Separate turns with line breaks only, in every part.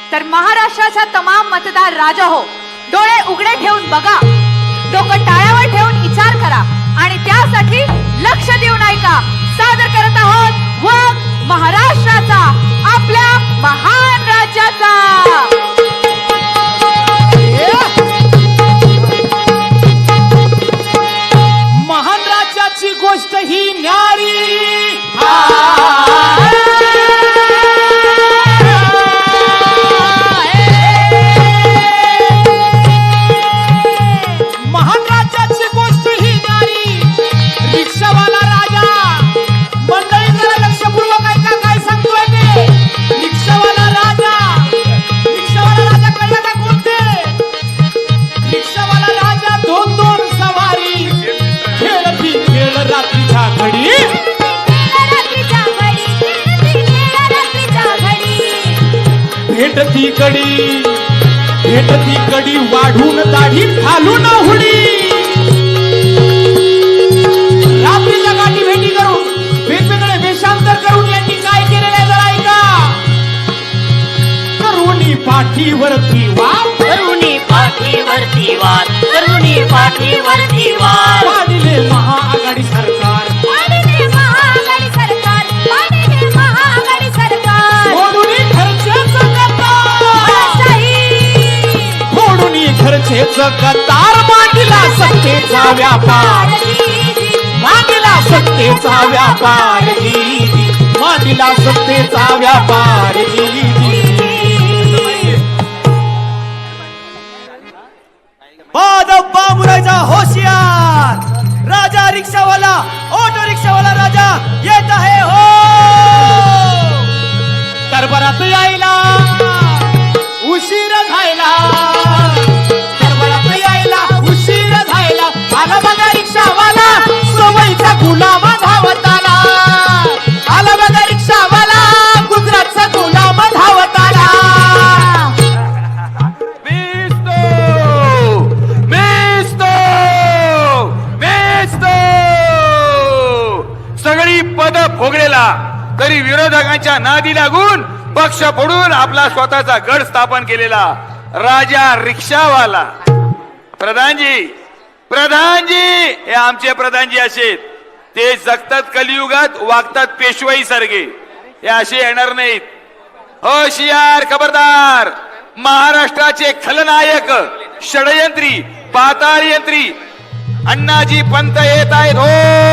तर महाराष्ट्राचा तमाम मतदार राजा हो, डोळे उघडे ठेवून बघा, डोकं टाळ्यावर ठेवून विचार करा आणि त्यासाठी लक्ष देऊन ऐका. सादर करत आहोत वाघ महाराष्ट्राचा, आपल्या महान राज्याचा.
महान राज्याची गोष्ट ही न्यारी. महान राज्याची गोष्ट ही न्यारी. रिक्षावाला राजा, मंडळी जरा लक्षपूर्वक ऐका काय सांगतोय ते. रिक्षावाला राजा, रिक्षावाला राजा कळलं का कोणते? रिक्षावाला राजा दोन दोन सवारी, खेळती खेळ रात्रीच्या घडी. भेटती कडी वाढून दाढी घालून हुडी. रात्रीच्या गाठी भेटी करून वेगवेगळे वेषांतर करून यांनी काय केलेले जरा ऐका. करुणी पाठीवरती वाद,
करुणी पाठीवरती वाद, करुणी पाठीवरती वाद.
पाडिले महाआघाडी सरकार,
पाडिले महाआघाडी सरकार, पाडिले महाआघाडी सरकार.
फोडून खर्चेच खर्चेच कतार. मांडला सत्तेचा व्यापार, मांडला सत्तेचा व्यापार, मांडला सत्तेचा व्यापार.
बादब बामुरायचा होशियार राजा, रिक्षावाला ऑटो रिक्षावाला राजा येत आहे हो.
दरबारात यायला उशीर झाला, दरबारात यायला उशीर झाला. आला बघा रिक्षावाला, सवयीचा गुलाम धावत आला. आला बघा रिक्षावाला, गुजरातचा गुलाम धावत आला.
सगळी पद भोगलेला तरी विरोधकांच्या नादी लागून पक्ष फोडून आपला स्वतःचा गड स्थापन केलेला राजा रिक्षावाला. प्रधानजी, प्रधानजी, हे आमचे प्रधानजी असे, ते जगतात कलियुगात, वागतात पेशवाई सारखे. हे असे येणार नाहीत. होशियार, खबरदार. महाराष्ट्राचे खलनायक, षडयंत्री, पाताळ यंत्री अण्णाजी पंत येत आहेत हो.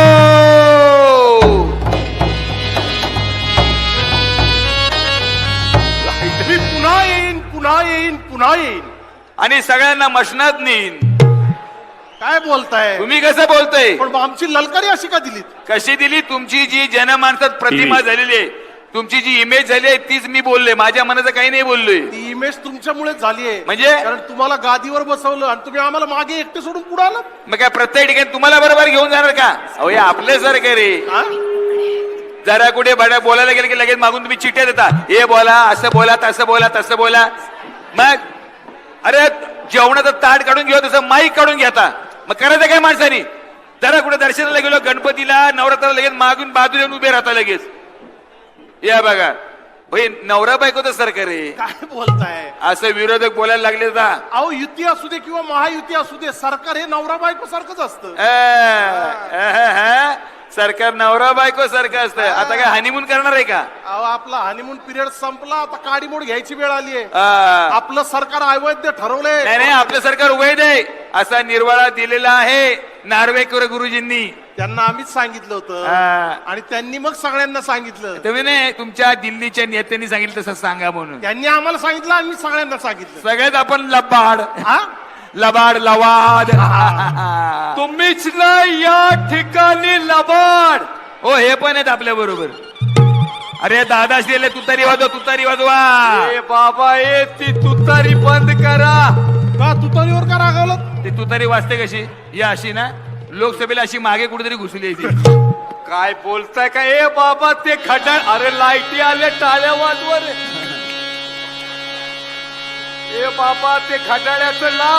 पुन्हा येईन, पुन्हा येईन, पुन्हा येईन
आणि सगळ्यांना मशनात नेईन.
काय बोलताय
तुम्ही कसं बोलताय?
पण आमची ललकारी अशी का दिली?
कशी दिली? तुमची जी जनमानसात प्रतिमा झालेली आहे, तुमची जी इमेज झाली आहे, तीच मी बोललोय. माझ्या मनाचं काही नाही बोललोय.
ती इमेज तुमच्यामुळे झाली आहे.
म्हणजे?
कारण तुम्हाला गादीवर बसवलं आणि तुम्ही आम्हाला मागे एकटे सोडून पुढे आलात.
मग काय प्रत्येक ठिकाणी तुम्हाला बरोबर घेऊन जाणार का? अहो हे आपलं सरकार आहे.
हा?
जरा कुठे बोलायला गेलं की लगेच मागून तुम्ही चिठ्ठ्या देता, हे बोला, असं बोला, तसं बोला, तसं बोला. मग अरे जेवणाचं ताट काढून घेऊ तसं माईक काढून घेता. मग करायचं काय माणसानी? जरा कुठे दर्शनाला गेलो, गणपतीला, नवरात्राला लगेच मागून बाजूला येऊन उभे राहता लगेच. या बघा भाई, नवरा बायकोचं सरकार आहे.
काय बोलताय?
असं विरोधक बोलायला लागले का?
अहो युती असू दे किंवा महायुती असू दे, सरकार हे नवरा बायको सारखंच असतं.
सरकार नवरा बायको सारखं असतं. आता काय हनीमून करणार आहे का?
अहो आपला हनीमून पिरियड संपला, आता काडीमोड घ्यायची वेळ आली आहे.
हा.
आपलं सरकार अवैध ठरवलंय.
नाही नाही, आपलं सरकार वैध आहे असा निर्वाळा दिलेला आहे नार्वेकर गुरुजींनी.
त्यांना आम्हीच सांगितलं होतं
हा.
आणि त्यांनी मग सगळ्यांना सांगितलं.
तुम्ही नाही, तुमच्या दिल्लीच्या नेत्यांनी सांगितलं तसं सांगा म्हणून.
त्यांनी आम्हाला सांगितलं, आम्ही सगळ्यांना सांगितलं.
सगळ्यात आपण लबाड,
हा?
लबाड, लवाद.
तुम्हीच नाही या ठिकाणी लबाड.
हो, हे पण आहेत आपल्या बरोबर. अरे दादा श्रीले तुतारी वाजवा, तुतारी वाजवा.
ए बाबा, ए ती तुतारी बंद करा.
का तुतारीवर का रागावलं?
ते तुतारी वाजते कशी? या अशी ना, लोकसभेला अशी मागे कुठेतरी घुसली ती.
काय बोलताय का? ए बाबा ते खड्डा, अरे लाईटी आले, टाळ्या वाजवा रे. ए बाबा ते खड्डाळ्याचं लाव.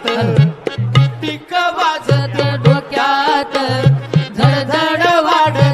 वाजत डोक्यात, धड धड वाढ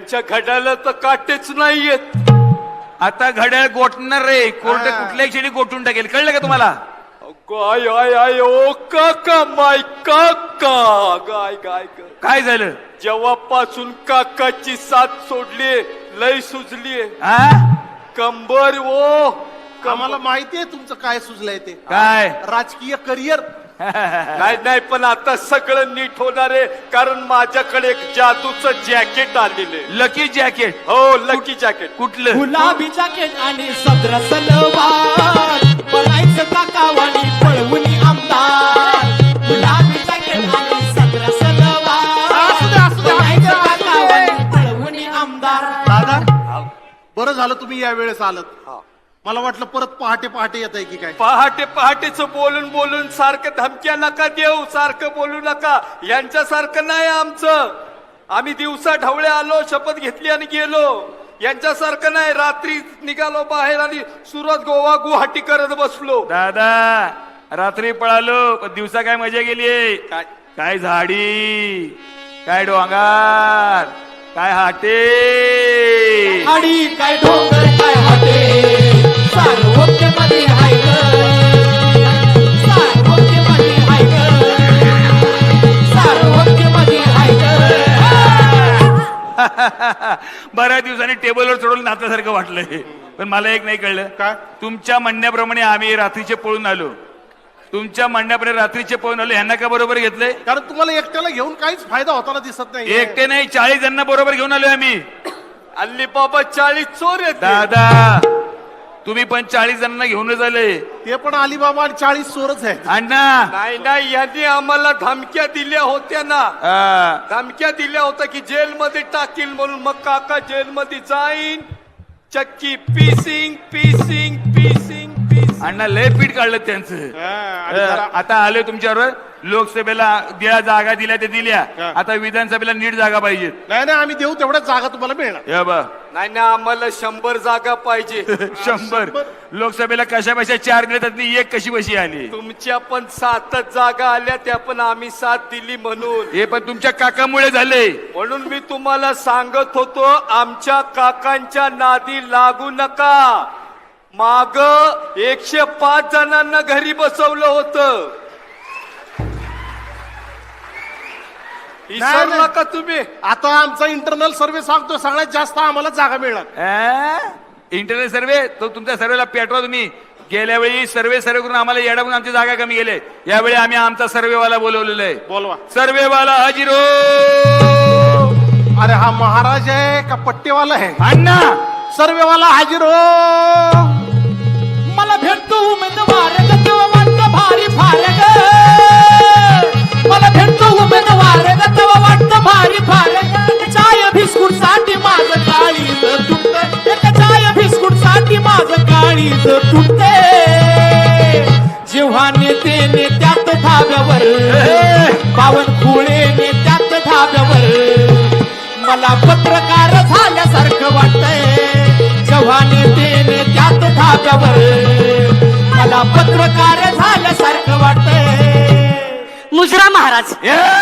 यांच्या घड्याला तर काटेच नाहीयेत.
आता घड्याळ गोठणार रे, कोर्ट कुठल्याही क्षणी गोठून टाकेल, कळलं का तुम्हाला?
गाय आय आय ओ काका माय काका गाय गाय ग.
काय झालं?
जेव्हापासून काकाची साथ सोडली लय सुजलीये
हा?
कंबर ओ
आम्हाला माहितीये तुमचं काय सुचलंय ते.
काय?
राजकीय करिअर.
नाही नाही, पण आता सगळं नीट होणार आहे, कारण माझ्याकडे एक जादूचं जॅकेट आलेले.
Lucky jacket?
हो, लकी जॅकेट.
कुठलं?
गुलाबी जॅकेट आणि सदर सलवार, पळायचं काकावानी पळवून आमदार. गुलाबी जॅकेट आणि सदर सलवार, पळायचं काकावानी पळवून आमदार.
दादा बरं झालं तुम्ही या वेळेस आलत. मला वाटलं परत पहाटे पहाटे येत आहे की काय.
पहाटे पहाटेच बोलून बोलून सारखं धमक्या नका देऊ, सारखं बोलू नका. यांच्यासारखं नाही आमचं. आम्ही दिवसा ढवळे आलो, शपथ घेतली आणि गेलो. यांच्यासारखं नाही, रात्री निघालो बाहेर आणि सुरत गोवा गुवाहाटी करत बसलो.
दादा रात्री पळालो पण दिवसा काय मजा गेली?
काय?
काय झाडी, काय डोंगर, काय हाटे.
आणि काय डोंगर काय हाटे, सार्वत्र्यमध्ये हाय ग, सार्वत्र्यमध्ये हाय ग, सार्वत्र्यमध्ये हाय ग.
बऱ्याच दिवसांनी टेबलवर चढवून नात्यासारखं वाटलंय. पण मला एक नाही कळलं.
काय?
तुमच्या म्हणण्याप्रमाणे आम्ही रात्रीचे पळून आलो, तुमच्या म्हणण्याप्रमाणे रात्रीचे पळून आलो, ह्यांना का बरोबर घेतलंय?
कारण तुम्हाला एकट्याला घेऊन काहीच फायदा होताना दिसत नाही.
एकटे नाही, 40 जणांना बरोबर घेऊन आलोय आम्ही.
अल्ली बाबा 40 चोर आहेत.
दादा तुम्ही पण 40 जणांना घेऊनच आले.
ते पण अलिबाबा आणि 40 चोरच आहेत.
अण्णा
नाही नाही, यांनी आम्हाला धमक्या दिल्या होत्या ना. धमक्या दिल्या होत्या की जेलमध्ये टाकील म्हणून. मग काका जेलमध्ये जाईन, चक्की पीसिंग पीसिंग पीसिंग पीसिंग.
अण्णा लय पीठ काढलं त्यांचं.
आणि जरा-
आता आलोय तुमच्यावर. लोकसभेला ज्या जागा दिल्या ते दिल्या, आता विधानसभेला नीट जागा पाहिजेत.
नाही नाही, आम्ही देऊ तेवढ्याच जागा तुम्हाला मिळणार.
हे बा
नाही ना, आम्हाला 100 जागा पाहिजे.
100 लोकसभेला कशा बशा 4 दिल्या, त्यातली एक कशी बशी आली.
तुमच्या पण 7 जागा आल्या, त्या पण आम्ही 7 दिली म्हणून.
हे पण तुमच्या काकामुळे झाले.
म्हणून मी तुम्हाला सांगत होतो, आमच्या काकांच्या नादी लागू नका. माग 105 जणांना घरी बसवलं होतं. विसरू
नाही.
नका तुम्ही.
आता आमचा इंटरनल सर्व्हे सांगतो सगळ्यात जास्त आम्हाला जागा मिळणार.
इंटरनेट सर्वे तो तुमच्या सर्वेला पेटवा तुम्ही. गेल्या वेळी सर्वे करून आम्हाला येडा म्हणून आमची जागा कमी गेले. यावेळी आम्ही आमचा सर्वेवाला बोलवलेला आहे.
बोलवा.
सर्वेवाला हाजीरो.
अरे हा महाराज आहे का पट्टेवाला आहे?
अण्णा
सर्वेवाला हाजीर हो.
मला भेटतो उमेदवार ग, तेव्हा वाटतं भारी फार ग. मला भेटतो उमेदवार ग, तेव्हा वाटतं भारी फार ग. चाय बिस्कुट साठी माझं काळीज तुटते, एक चाय बिस्कुट साठी माझं काळीज तुटते. जेव्हा नेते नेत्यात धाब्यावर, बावनकुळे नेत्यात धाब्यावर, मला पत्रकार झाल्यासारखं वाटतंय. जेव्हा नेते नेत्यात धाब्यावर, मला पत्रकार झाल्यासारखं वाटतंय.
मुजरा महाराज,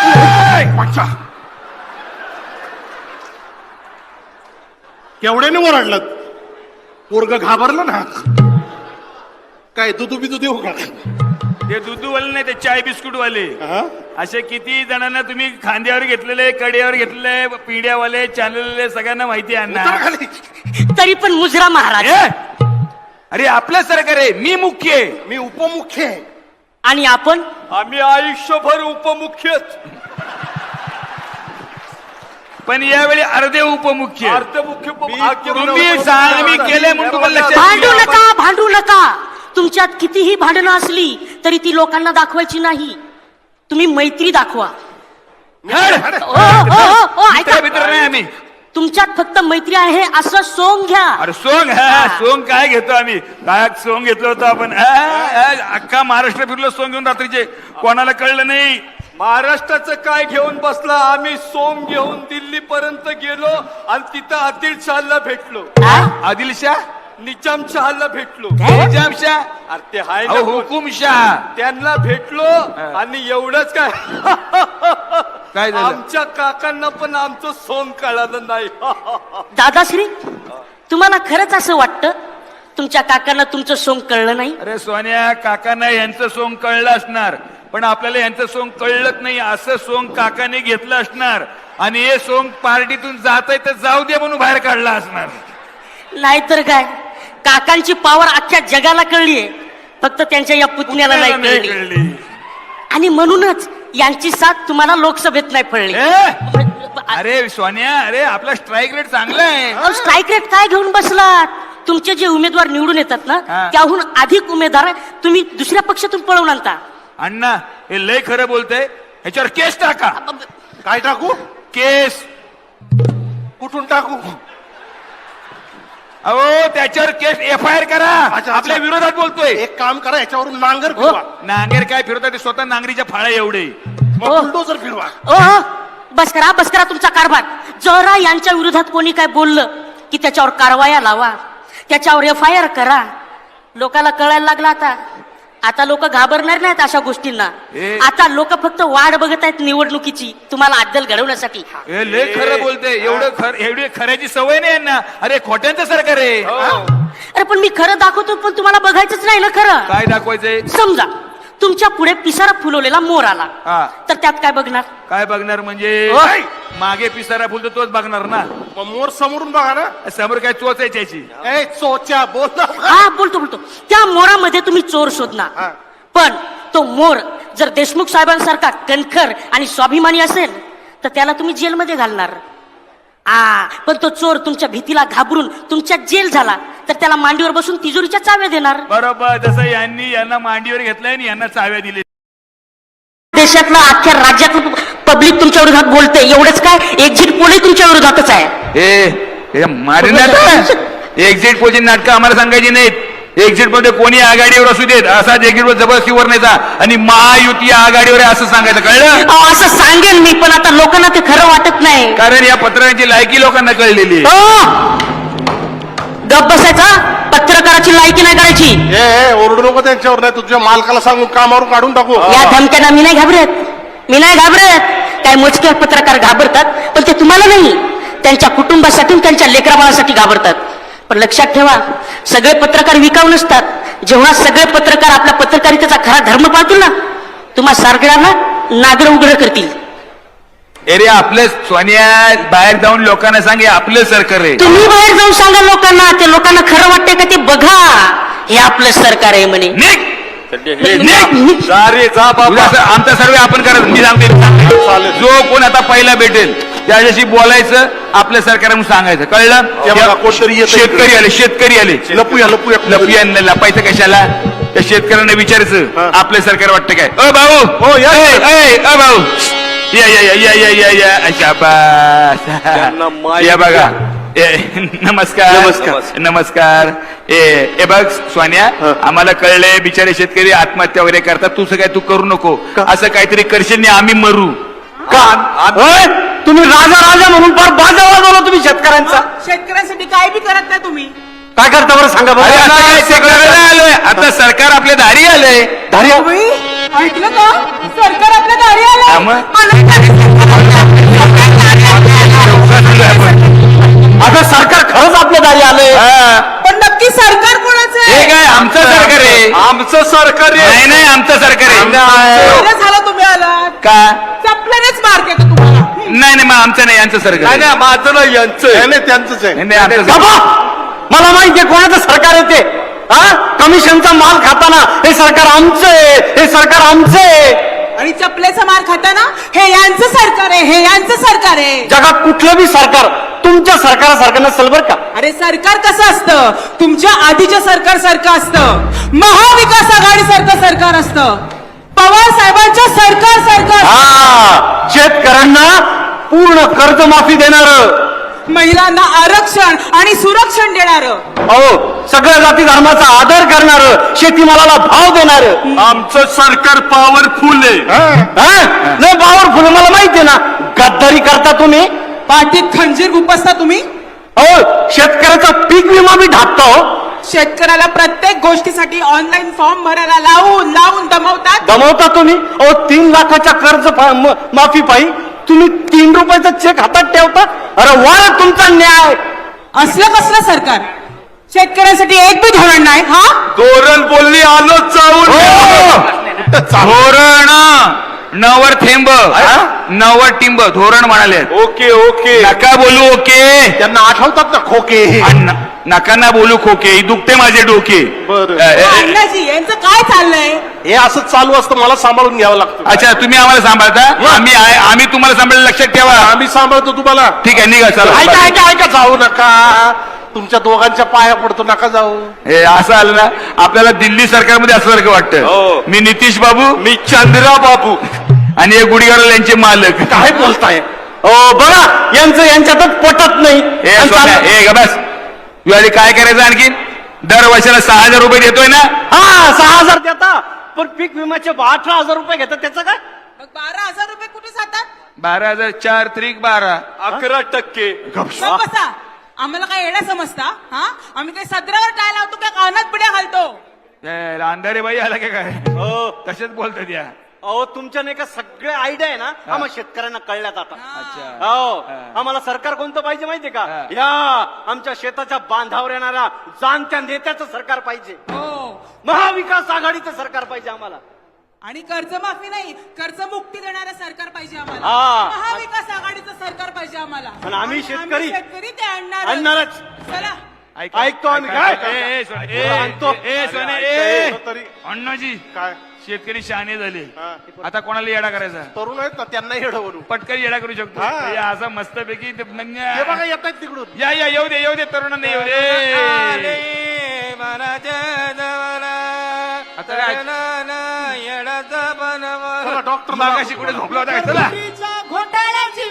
केवढ्याने ओरडलं? पोरग घाबरलं ना. काय दुधू बिदू देऊ का?
ते दुधूवाले नाही, ते चाय बिस्कुट वाले.
हा?
असे किती जणांना तुम्ही खांद्यावर घेतलेले, कड्यावर घेतलेले, पिढ्यावाले, चॅनलवाले, सगळ्यांना माहिती आहे
उतर
अण्णा.
खाली.
तरी पण मुजरा महाराज,
ए! अरे आपलं सरकार आहे, मी मुख्य आहे.
मी उपमुख्य आहे.
आणि आपण
आम्ही आयुष्यभर उपमुख्यच.
पण यावेळी अर्धे उपमुख्य.
अर्धमुख्य भाग्य
तुम्ही सांग, मी केलंय म्हणून तुम्हाला लक्षात
भांडू
येईल.
नका, भांडू नका. तुमच्यात कितीही भांडणं असली तरी ती लोकांना दाखवायची नाही. तुम्ही मैत्री दाखवा.
हड!
ओ, ओ, ओ, ओ, ऐका.
मित्र नाही आम्ही.
तुमच्यात फक्त मैत्री आहे असं सोंग घ्या.
अरे सोंग, सोंग काय घेतो आम्ही? काय सोंग घेतलं होतं आपण? अख्खा महाराष्ट्र फिरलो सोंग घेऊन रात्रीचे, कोणाला कळलं नाही.
महाराष्ट्राचं काय घेऊन बसला? आम्ही सोम घेऊन दिल्ली पर्यंत गेलो आणि तिथं आदिलशहाला भेटलो.
आदिलशाह,
निजामशहाला भेटलो.
निजामशाह,
अरे ते हाय ना
अहो
कोण?
हुकुमशाह.
त्यांना भेटलो आणि एवढंच काय
काय झालं?
आमच्या काकांना पण आमचं सोंग कळालं नाही.
दादाश्री, तुम्हाला खरंच असं वाटतं तुमच्या काकांना तुमचं सोंग कळलं नाही?
अरे सोन्या, काकांना यांचं सोंग कळलं असणार, पण आपल्याला यांचं सोंग कळलंच नाही. असं सोंग काकाने घेतलं असणार आणि हे सोंग पार्टीतून जात आहे तर जाऊ दे म्हणून बाहेर काढला असणार.
नाहीतर काय, काकांची पावर अख्ख्या जगाला कळलीये, फक्त त्यांच्या या पुतण्याला नाही कळली.
कळली.
आणि म्हणूनच यांची साथ तुम्हाला लोकसभेत नाही पडली.
अरे सोन्या, अरे आपला स्ट्राईक रेट चांगला आहे.
स्ट्राईक रेट काय घेऊन बसलात? तुमचे जे उमेदवार निवडून येतात ना,
हा.
त्याहून अधिक उमेदवार तुम्ही दुसऱ्या पक्षातून पळवून आणता.
अण्णा, हे लय खरं बोलतंय. ह्याच्यावर केस टाका.
काय टाकू?
केस.
कुठून टाकू?
अहो, त्याच्यावर केस FIR करा.
अच्छा.
आपल्या विरोधात बोलतोय.
एक काम करा, याच्यावरून नांगर
हो.
फिरवा.
नांगेर काय फिरवतात ते स्वतः नांगरीच्या फाळ्या एवढे.
मग
हो.
बुलडोझर फिरवा.
ओ बस करा तुमचा कारभार. जरा यांच्या विरोधात कोणी काय बोललं की त्याच्यावर कारवाया लावा, त्याच्यावर FIR करा. लोकाला कळायला लागला आता लोक घाबरणार नाहीत अशा गोष्टींना.
ए.
आता लोक फक्त वाट बघत आहेत निवडणुकीची, तुम्हाला अद्दल घडवण्यासाठी.
हे लय खरं बोलते. एवढी खऱ्याची सवय नाही यांना. अरे खोट्यांचं सरकार आहे.
अरे पण मी खरं दाखवतो, पण तुम्हाला बघायचंच नाही ना खरं.
काय दाखवायचंय?
समजा तुमच्या पुढे पिसारा फुलवलेला मोर आला,
हा.
तर त्यात काय बघणार?
काय बघणार म्हणजे?
ओय.
मागे पिसारा फुलतो तोच बघणार ना.
मग मोर समोरून बघा ना.
समोर काय चोचायची?
ए चोच्या बोल ना.
हा बोलतो त्या मोरामध्ये तुम्ही चोर शोधणार.
हा.
पण तो मोर जर देशमुख साहेबांसारखा कणखर आणि स्वाभिमानी असेल तर त्याला तुम्ही जेलमध्ये घालणार. पण तो चोर तुमच्या भीतीला घाबरून तुमच्या जेल झाला तर त्याला मांडीवर बसून तिजोरीच्या चाव्या देणार.
बरोबर. जसं यांना मांडीवर घेतलंय आणि यांना चाव्या दिले.
देशातलं अख्ख्या राज्यातलं पब्लिक तुमच्या विरोधात बोलते. एवढंच काय, एक्झिट पोलही तुमच्या विरोधातच आहे.
मारण्यात एक्झिट पोलची नाटकं आम्हाला सांगायची नाहीत. एक्झिट मध्ये कोणी आघाडीवर असू देत, असाच एक्झिट वर जबरदस्तीवर न्यायचा आणि महायुती आघाडीवर आहे असं सांगायचं. कळलं?
असं सांगेन मी, पण आता लोकांना ते खरं वाटत नाही.
कारण या पत्रांची लायकी लोकांना कळलेली आहे.
गप बसायचा. पत्रकाराची लायकी नाही करायची.
ए ओरडू नको त्यांच्यावर, नाही तुझ्या मालकाला सांगून कामावरून काढून टाकू.
या धमक्यांना मी नाही घाबरत. काय मोजके पत्रकार घाबरतात, पण ते तुम्हाला नाही, त्यांच्या कुटुंबासाठी, त्यांच्या लेकराबाळासाठी घाबरतात. पण लक्षात ठेवा, सगळे पत्रकार विकाऊ नसतात. जेव्हा सगळे पत्रकार आपल्या पत्रकारितेचा खरा धर्म पाळतील ना, तुम्हा सगळ्यांना नागर उघड करतील.
अरे आपलं सोनिया, बाहेर जाऊन लोकांना सांगे आपलं सरकार आहे.
तुम्ही बाहेर जाऊन सांगा लोकांना, ते लोकांना खरं वाटतंय का ते बघा. हे आपलं सरकार आहे म्हणे.
निघ!
अरे जा बाबा.
आमचा सर्वे आपण करत. मी सांगते, जो कोण आता पहिला भेटेल त्याच्याशी बोलायचं, आपलं सरकार म्हणून सांगायचं. कळलं?
कोणतरी येतंय.
शेतकरी आले. लपूया लपायचं कशाला? त्या शेतकऱ्यांना विचारायचं आपलं सरकार वाटतं काय? अ भाऊ,
हो, या.
अ भाऊ, या शाबास. या बघा. नमस्कार. ए बघ सोन्या, आम्हाला कळलंय बिचारे शेतकरी आत्महत्या वगैरे करतात. तू काय तू करू नको. असं काहीतरी करशील नाही आम्ही मरू.
तुम्ही राजा म्हणून फार बाजा वाजवला तुम्ही शेतकऱ्यांचा.
शेतकऱ्यांसाठी काय बी करत नाही तुम्ही.
काय करता बरं सांगा
अरे आता काय
बरं.
शेतकऱ्याला आलोय, आता सरकार आपल्या दारी आलंय.
ऐकलं का? सरकार आपल्या दारी आलं.
आता सरकार खरंच आपल्या दारी आलंय.
पण नक्की सरकार कोणाचं
हे
आहे?
काय आमचं सरकार आहे?
आमचं सरकार आहे.
नाही आमचं सरकार आहे.
बरं झालं तुम्ही आलात.
का?
चपल्यानेच मार देतो तुम्हाला.
नाही मग आमचं नाही, यांचं सरकार आहे.
नाही माझं नाही यांचं आहे.
नाही त्यांचंच आहे.
नाही, आमचं सरकार.
बाबा, मला माहितीये कोणाचं सरकार येते. कमिशनचा माल खाताना हे सरकार आमचं आहे.
आणि चपलेचा मार खाताना हे यांचं सरकार आहे, हे यांचं सरकार आहे.
जगात कुठलं बी सरकार तुमच्या सरकारासारखं नसेल बरं का.
अरे सरकार कसं असतं? तुमच्या आधीच्या सरकार सारखं असतं. महाविकास आघाडी सारखं सरकार असतं. पवार साहेबांच्या सरकार सारखं असतं.
शेतकऱ्यांना पूर्ण कर्जमाफी देणार,
महिलांना आरक्षण आणि सुरक्षण देणारं,
सगळ्या जाती धर्माचा आदर करणार, शेतीमालाला भाव देणार.
आमचं सरकार पॉवरफुल आहे.
नाही पॉवरफुल, मला माहितीये ना. गद्दारी करता तुम्ही.
पाठीत खंजीर गुपसता तुम्ही.
शेतकऱ्याचा पीक विमा बी ढाकता.
शेतकऱ्याला प्रत्येक गोष्टीसाठी ऑनलाईन फॉर्म भरायला लावून दमवता
तुम्ही. 3 लाखाच्या कर्ज माफी पायी तुम्ही 3 रुपयाचा चेक हातात ठेवता. अरे वा तुमचा न्याय.
असलं कसलं सरकार? शेतकऱ्यांसाठी एक बी धोरण नाही. हा
धोरण बोलली आलो चावून.
धोरण नवर थेंब नवर टिंब धोरण म्हणाले.
Okay okay.
नका बोलू ओके.
त्यांना आठवतात ना खोके.
नका ना बोलू खोके. ही दुखते माझे डोके.
बरं.
अण्णाजी यांचं काय चाललंय?
हे असं चालू असतं, मला सांभाळून घ्यावं लागतं.
अच्छा तुम्ही आम्हाला सांभाळता. आम्ही तुम्हाला सांभाळलं. लक्षात ठेवा.
आम्ही सांभाळतो तुम्हाला.
ठीक आहे निघा चला.
ऐका ऐका ऐका, जाऊ नका. तुमच्या दोघांच्या पाया पडतो, नका जाऊ.
हे असं आलं ना आपल्याला दिल्ली सरकारमध्ये असल्यासारखं वाटतं. मी नितीश बाबू.
मी चंद्रा बाबू.
आणि हे गुढीगाडल यांचे मालक.
काय बोलताय?
बघा यांचं यांच्यातच पटत नाही.
हे बस यावेळी काय करायचं आणखी दर वर्षाला 6,000 रुपये देतोय ना.
हा 6,000 देता, पण पीक विम्याचे 18,000 रुपये घेतात. त्याचं काय?
मग 12,000 रुपये कुठे जातात?
12,000 4 त्रिक 12.
11%.
गप्प बसा. आम्हाला काय येणं समजता? हा आम्ही काही सदरावर काय लावतो काय कानात पिढ्या घालतो?
अंधारे बाई आला का काय? तसेच बोलतात या.
अहो तुमच्या नाही का सगळे आयडिया आहे ना आम्हाला शेतकऱ्यांना कळल्यात आता.
अच्छा.
हो आम्हाला सरकार कोणतं पाहिजे माहितीये का? या आमच्या शेताच्या बांधावर येणाऱ्या जाणत्या नेत्याचं सरकार पाहिजे.
हो.
महाविकास आघाडीचं सरकार पाहिजे आम्हाला.
आणि कर्जमाफी नाही, कर्जमुक्ती देणारं सरकार पाहिजे आम्हाला.
हा.
महाविकास आघाडीचं सरकार पाहिजे आम्हाला.
आणि आम्ही शेतकरी
ते
आणणारच.
चला
ऐकतो आम्ही काय
आणतो.
तरी
अण्णाजी
काय
शेतकरी शहाणे झाले.
हा.
आता कोणाला येडा करायचा?
तरुण आहेत ना, त्यांना येडवरू.
पटकन येडा करू शकतो.
हा.
हे असं मस्तपैकी
हे बघा येत आहेत तिकडून.
या येऊ दे तरुणांना येऊ दे. आता काय?
चला, डॉक्टर
मागाशी कुठे झोपला होता का? चला
घोटाळ्याची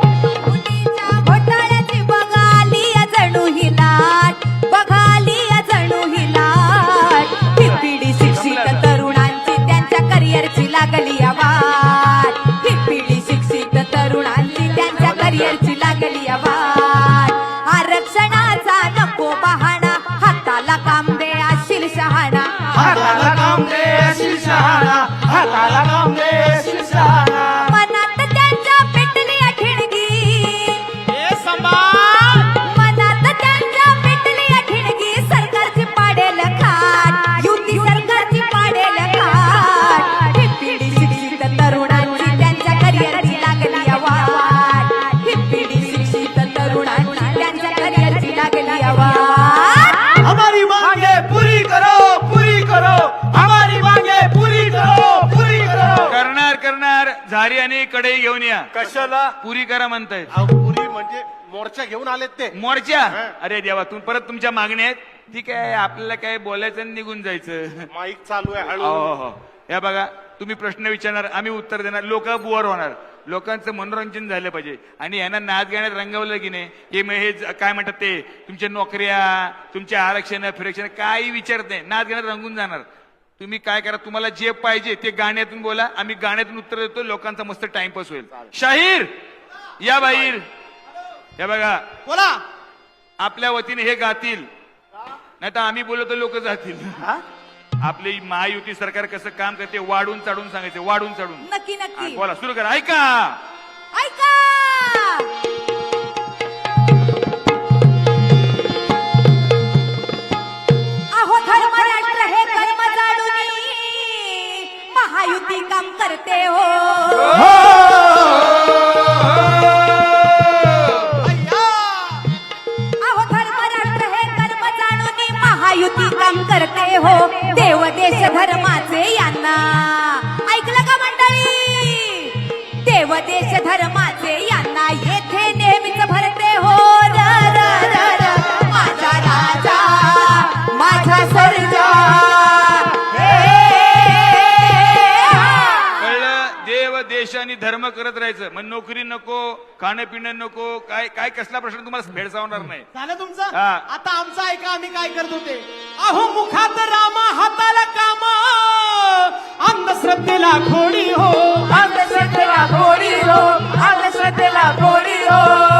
बघाली जणू ही लाट, बघाली जणू ही लाट. ही पिढी शिक्षित तरुणांची त्यांच्या करिअरची लागली वाट. ही पिढी शिक्षित तरुणांची त्यांच्या करिअरची लागली वाट. आरक्षणाचा नको बहाणा, हाताला काम दे अशील शहाणा.
हाताला काम दे अशील शहाणा. हाताला काम दे अशील शहाणा.
मनात त्यांच्या पेटली ठिणगी,
हे सांभाळ.
मनात त्यांच्या पेटली ठिणगी. सरकारची पाडेल खाट, युती सरकारची पाडेल खाट. ही पिढी शिक्षित तरुणांची त्यांच्या करिअरची लागली वाट. ही पिढी शिक्षित तरुणांची त्यांच्या करिअरची लागली वाट.
हमारी मांगे पूरी करो, पूरी करो. हमारी मांगे पूरी करो, पूरी करो.
करणार झारी आणि कढई घेऊन या.
कशाला?
पुरी करा म्हणतायत.
पुरी म्हणजे मोर्चा घेऊन आलेत ते.
मोर्चा. अरे देवा परत तुमच्या मागण्या आहेत. ठीक आहे आपल्याला काय बोलायचं आणि निघून जायचं.
माईक चालू आहे हळू.
हो. या बघा तुम्ही प्रश्न विचारणार आम्ही उत्तर देणार. लोक बुवर होणार. लोकांचं मनोरंजन झालं पाहिजे. आणि यांना नाच गाण्यात रंगवलं की नाही हे मग हे काय म्हणतात ते तुमच्या नोकऱ्या तुमचे आरक्षण फिरक्षण काही विचारत नाही. नाच गाण्यात रंगून जाणार. तुम्ही काय करा तुम्हाला जे पाहिजे ते गाण्यातून बोला. आम्ही गाण्यातून उत्तर देतो. लोकांचा मस्त टाइमपास होईल. शाहीर या बाहेर. हे बघा
बोला.
आपल्या वतीने हे गातील नाही तर आम्ही बोललो तर लोक जातील. आपली महायुती सरकार कसं काम करते वाढून चढून सांगायचे. वाढून चढून.
नक्की नक्की
बोला सुरू करा. ऐका
ऐका. अहो धर्म राष्ट्र हे कर्म जाणून महायुती काम करते हो. अहो धर्म राष्ट्र हे कर्म जाणून महायुती काम करते हो. देव देश धर्माचे यांना ऐकलं का मंडळी? देव देश धर्माचे यांना येथे नेहमीच भरते हो. र र र र माझा राजा माझा सर्जा.
कळलं. देव देश आणि धर्म करत राहायचं. मग नोकरी नको खाणं पिणं नको काय काय कसला प्रश्न तुम्हाला भेडसावणार नाही.
झालं तुमचं?
हा.
आता आमचं ऐका आम्ही काय करत होते. अहो मुखात रामा हाताला काम, अंधश्रद्धेला खोडी हो. अंधश्रद्धेला खोडी हो. अंधश्रद्धेला खोडी हो.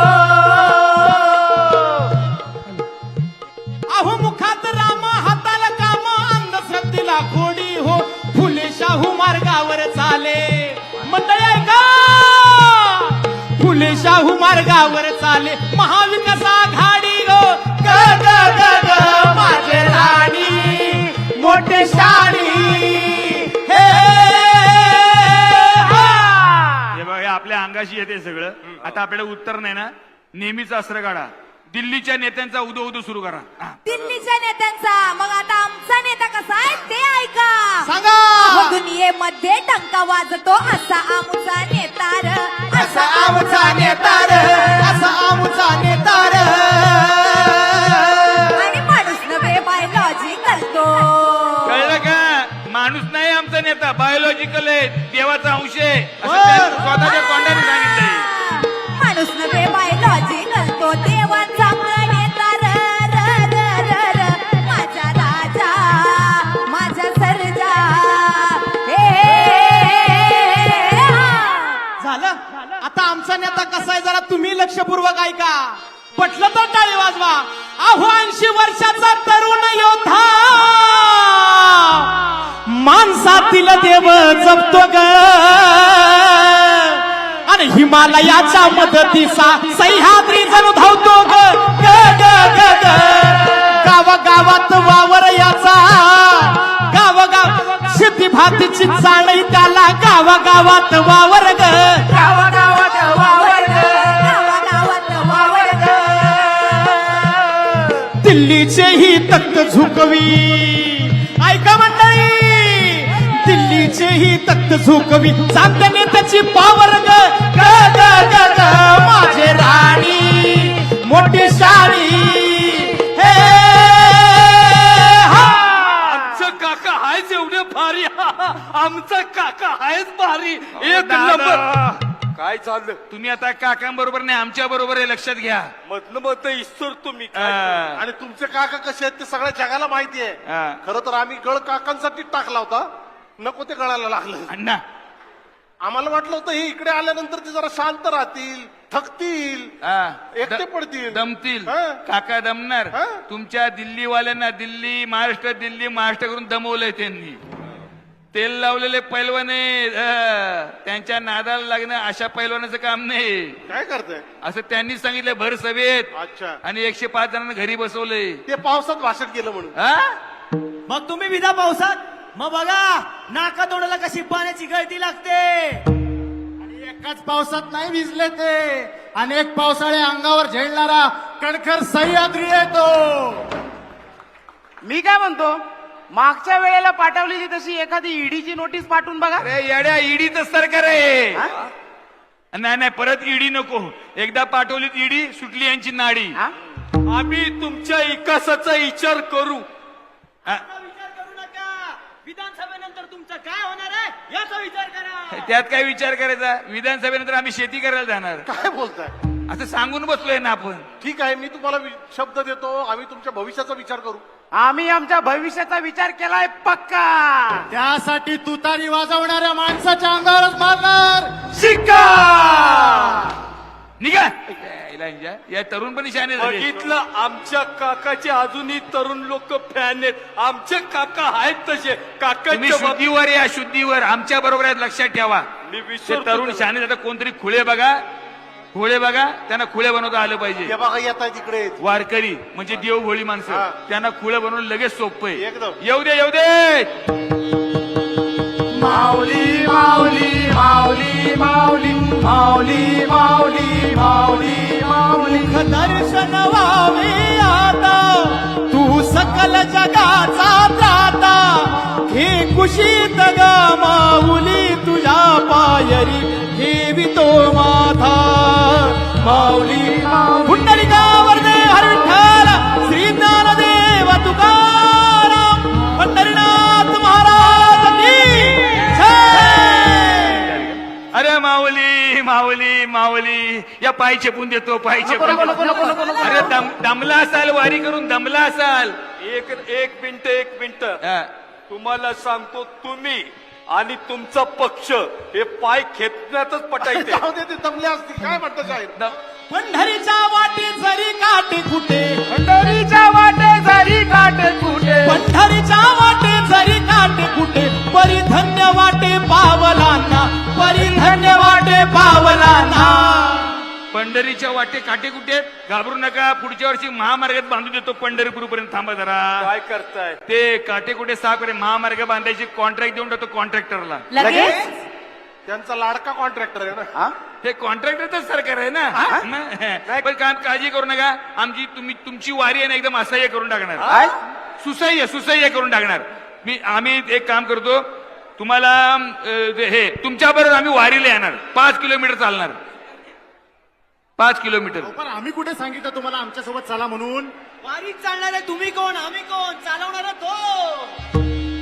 अहो मुखात रामा हाताला काम, अंधश्रद्धेला खोडी हो. फुले शाहू मार्गावर चाले. मंडळी ऐका फुले शाहू मार्गावर चाले महाविकास आघाडी ग ग ग ग ग माझे राणी मोठे शाणी हे हा.
हे बघा हे आपल्या अंगाशी येते सगळं. आता आपल्याला उत्तर नाही ना, नेहमीच अस्त्र काढा. दिल्लीच्या नेत्यांचा उदो उदो सुरू करा. हा.
दिल्लीच्या नेत्यांचा. मग आता आमचा नेता कसा आहे ते ऐका.
सांगा.
अहो, दुनियेमध्ये टंका वाजतो असा आमचा नेता र,
असा आमचा नेता र, असा आमचा नेता र.
आणि माणूस नव्हे बायोलॉजिकल तो.
कळलं का? माणूस नाही आमचा नेता, बायोलॉजिकल आहे, देवाचा अंश आहे असं त्यांनी स्वतःच्या तोंडाने सांगितलंय.
माणूस नव्हे बायोलॉजिकल तो, देवाचा नेता र र र र र. माझा राजा माझा सर्जा हे
झालं. आता आमचा नेता कसा आहे जरा तुम्ही लक्षपूर्वक ऐका. पटलं तर टाळी वाजवा. अहो 80 वर्षाचा तरुण योद्धा माणसातील देव जपतो ग आणि हिमालयाच्या मदतीचा सह्याद्री जणू धावतो ग ग ग ग ग. गावागावात वावर याचा, गावागाव शेती भातीची जाणई त्याला, गावागावात वावर ग, गावागावात वावर ग,
गावागावात वावर ग.
दिल्लीचे ही तख्त झुकवी. ऐका मंडळी, दिल्लीचे ही तख्त झुकवी, चांगल्या नेत्याची पावर ग ग ग ग ग. माझे राणी मोठी शाणी हे हा.
आमचं काका आहेच एवढे भारी. आमचा काका आहेच भारी. एक
दादा,
नंबर. काय चाललं
तुम्ही आता काकांबरोबर नाही आमच्या बरोबर आहे, लक्षात घ्या.
मधलं मत ईश्वर तुम्ही
हा.
आणि तुमचे काका कसे आहेत ते सगळ्या जगाला माहिती आहे.
हा.
खरं तर आम्ही गळ काकांसाठी टाकला होता, नको ते गळायला लागलं.
अण्णा
आम्हाला वाटलं होतं हे इकडे आल्यानंतर ते जरा शांत राहतील, थकतील,
हा.
एकटे पडतील,
दमतील.
हा.
काका दमणार.
हा.
तुमच्या दिल्लीवाल्यांना दिल्ली महाराष्ट्र करून दमवलंय त्यांनी. तेल लावलेले पैलवाने त्यांच्या नादाला लागणं अशा पैलवानाचं काम नाही.
काय करताय?
असं त्यांनी सांगितलं भर सभेत.
अच्छा.
आणि 105 जणांना घरी बसवलंय.
ते पावसात भाषण केलं म्हणून.
हा?
मग तुम्ही विधा पावसात मग बघा नाका तोंडाला कशी पाण्याची गळती लागते. आणि एकाच पावसात नाही भिजले ते, अनेक पावसाळे अंगावर झेलणारा कणखर सह्याद्री येतो.
मी काय म्हणतो, मागच्या वेळेला पाठवलेली तशी एखादी ईडीची नोटीस पाठवून बघा.
अरे येड्या, ईडीच सरकार आहे. नाही नाही, परत ईडी नको. एकदा पाठवलीत ईडी, सुटली यांची नाडी.
हा?
आम्ही तुमच्या विकासाचा विचार करू.
हा.
विचार करू नका. विधानसभेनंतर तुमचं काय होणार आहे याचा विचार करा.
त्यात काय विचार करायचा? विधानसभेनंतर आम्ही शेती करायला जाणार
काय बोलताय?
असं सांगून बसलोय ना आपण.
ठीक आहे, मी तुम्हाला शब्द देतो, आम्ही तुमच्या भविष्याचा विचार करू.
आम्ही आमच्या भविष्याचा विचार केलाय पक्का.
त्यासाठी तुतारी वाजवणाऱ्या माणसाच्या अंगावरच मारणार
शिक्का निघा. या तरुण पण शाने झाले.
बघितलं, आमच्या काकाचे अजूनही तरुण लोक फॅन आहेत. आमचे काका आहेत तसे.
तुम्ही
काकांच्या
शुद्धीवर या, शुद्धीवर आमच्या बरोबर आहेत, लक्षात ठेवा.
मी
ते
विसरतो
तरुण
त्याला.
शाने आता कोणतरी खुळे बघा, खुळे बघा, त्यांना खुळे बनवता आलं पाहिजे.
हे बघा येत आहे तिकडे.
वारकरी म्हणजे देवभोळी माणसं,
हा.
त्यांना खुळे बनवून लगेच सोपं आहे.
एकदम.
येऊ दे, येऊ दे.
माऊली माऊली माऊली माऊली माऊली माऊली माऊली माऊली दर्शन व्हावे आता तू सकल जगाचा त्राता. हे कुशीत ग माऊली तुझ्या पायरी ठेवितो माझा. माऊली पुंडलिकावर दे हर विठ्ठल, श्री ज्ञानदेव तुकाराम, पंढरीनाथ महाराज की जय.
अरे माऊली माऊली माऊली, या पाय चेपून देतो, पाय चेपून देतो. अरे दमला असाल, वारी करून दमला असाल.
एक मिनिट
हा.
तुम्हाला सांगतो, तुम्ही आणि तुमचा पक्ष हे पाय खेचण्यातच पटायचे.
जाऊ दे, ते दमले असतील. काय म्हणतं साहेब?
पंढरीच्या वाटे जरी काटे कुठे,
पंढरीच्या वाटे जरी काटे कुठे,
पंढरीच्या वाटे जरी काटे कुठे, परी धन्य वाटे पावलांना, परी धन्य वाटे पावलांना.
पंढरीच्या वाटे काटे कुठे आहेत? घाबरू नका, पुढच्या वर्षी महामार्गात बांधून देतो पंढरपूर पर्यंत. थांबा जरा,
काय करताय?
ते काटे कुठे साफ करे, महामार्ग बांधायची कॉन्ट्रॅक्ट देऊन टाकतो कॉन्ट्रॅक्टरला.
लगेच
त्यांचा लाडका कॉन्ट्रॅक्टर आहे ना.
हे कॉन्ट्रॅक्टरच सरकार आहे ना. पण काम काळजी करू नका, आमची तुमची वारी आहे ना एकदम असह्य करून टाकणार, सुसह्य करून टाकणार. आम्ही एक काम करतो, तुम्हाला हे तुमच्याबरोबर आम्ही वारीला येणार, 5 किलोमीटर चालणार, 5 किलोमीटर.
पण आम्ही कुठे सांगितलं तुम्हाला आमच्या सोबत चला म्हणून?
वारीत चालणार आहे तुम्ही कोण, आम्ही कोण, चालवणार तो.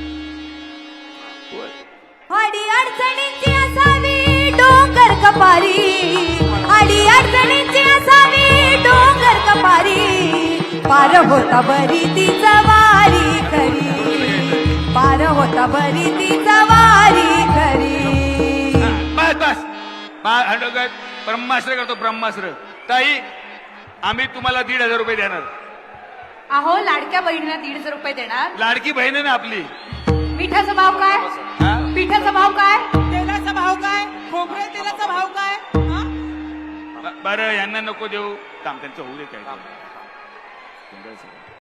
अडी अडचणींची असावी डोंगर कपारी, अडी अडचणींची असावी डोंगर कपारी, पार होता बरी ती जवारी खरी, पार होता बरी ती जवारी खरी.
बस ब्रह्मास्त्र करतो, ब्रह्मास्त्र. ताई, आम्ही तुम्हाला 1,500 रुपये देणार.
अहो लाडक्या बहिणीला 150 रुपये देणार.
लाडकी बहीण आहे ना आपली.
पिठाचा भाव काय? पिठाचा भाव काय?
तेलाचा भाव काय? खोबरे तेलाचा भाव काय? हा?
बरं, यांना नको देऊ, काम त्यांचं होऊ दे काय.